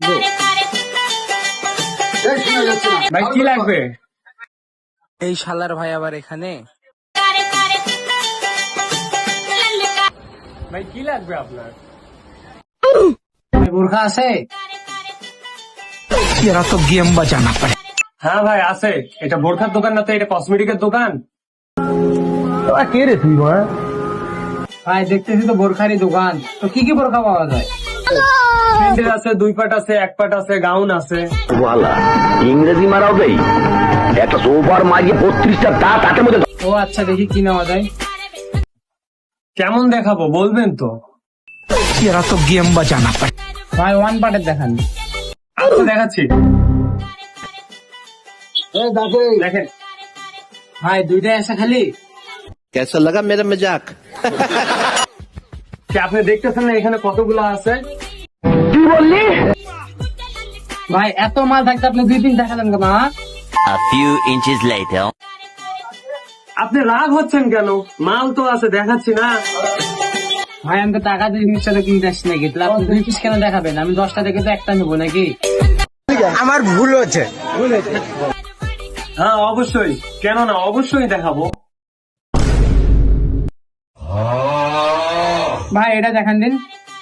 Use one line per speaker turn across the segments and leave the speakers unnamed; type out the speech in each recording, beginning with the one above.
ভাই কি লাগবে?
এই শালার ভাই আবার এখানে।
ভাই কি লাগবে আপনার?
বোরখা আছে? এরা তো গেম বাজানা পারে।
হ্যাঁ ভাই আছে। এটা বোরখার দোকান না তো, এটা কসমেটিকের দোকান।
কে রে তুই ভাই? দেখতেছি তো বোরখারই দোকান। তো কি কি বোরখা পাওয়া যায়?
প্রিন্টের আছে, 2 পাট আছে, 1 পাট আছে, গাউন আছে।
ইংরেজি মারাও দেই একটা সোফার মাঝে 32টা দাঁত হাতের মধ্যে।
ও আচ্ছা, দেখি কি নেওয়া যায়।
কেমন দেখাবো বলবেন তো?
এরা তো গেম বাজানা পারে। ভাই 1 পার্টের দেখান।
আচ্ছা দেখাচ্ছি। দেখেন
ভাই 2টাই আছে খালি।
कैसा लगा मेरा मजाक?
কি আপনি দেখতেছেন না এখানে কতগুলো আছে?
কি বললি?
ভাই এত মাল থাকতে আপনি 2-3 দেখালেন কেন?
A few inches later.
আপনি রাগ হচ্ছেন কেন? মাল তো আছে, দেখাচ্ছি না।
ভাই আমি তো টাকা দিয়ে জিনিসটা কিনতে আসছি নাকি? তাহলে আপনি 2 পিস কেন দেখাবেন? আমি 10টা দেখে তো একটা নেবো নাকি?
আমার ভুল হচ্ছে।
হ্যাঁ অবশ্যই, কেন না, অবশ্যই দেখাবো।
ভাই এটা দেখান দিন।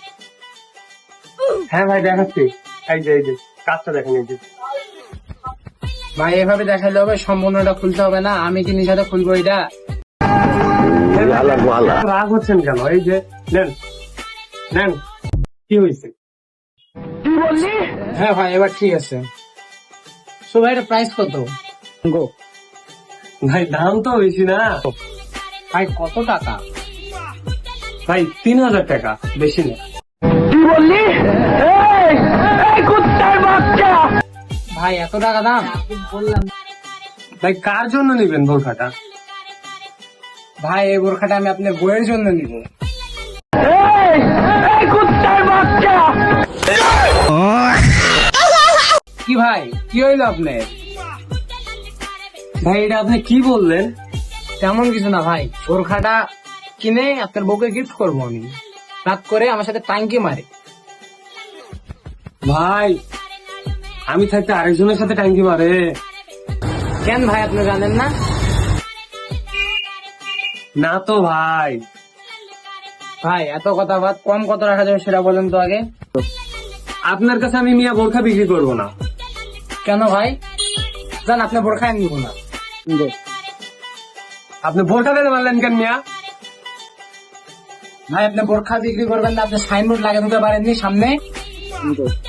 হ্যাঁ ভাই দেখাচ্ছি। এই যে কাজটা দেখেন, এই যে।
ভাই এভাবে দেখাইলে হবে? সম্পূর্ণটা খুলতে হবে না? আমি কি নিজে খুলবো এটা?
রাগ হচ্ছেন কেন? এই যে নেন নেন, কি হয়েছে?
হ্যাঁ ভাই এবার ঠিক আছে। সো ভাই এটা প্রাইস কত?
ভাই দাম তো বেশি না।
ভাই কত টাকা?
ভাই 3000 টাকা, বেশি না।
কি বললি? এই কুত্তার বাচ্চা!
ভাই এত টাকা দাম? বললাম
ভাই কার জন্য নিবেন বোরখাটা?
ভাই এই বোরখাটা আমি আপনার বইয়ের জন্য নিব।
এই কুত্তার বাচ্চা!
কি ভাই কি হইলো আপনার?
ভাই এটা আপনি কি বললেন?
তেমন কিছু না ভাই, বোরখাটা কিনে আপনার বউকে গিফট করবো আমি। রাত করে আমার সাথে টাঙ্কি মারে।
ভাই আমি থাকতে আরেকজনের সাথে টাঙ্কি মারে?
কেন ভাই আপনি জানেন না?
না তো ভাই।
ভাই এত কথা বাদ, কম কত রাখা যাবে সেটা বলেন তো আগে।
আপনার কাছে আমি মিয়া বোরখা বিক্রি করবো না।
কেন ভাই? জান আপনি বোরখা নিব না।
আপনি বোরখা দিতে পারলেন কেন মিয়া?
ভাই আপনি বোরখা বিক্রি করবেন না? আপনি সাইনবোর্ড লাগিয়ে দিতে পারেননি সামনে?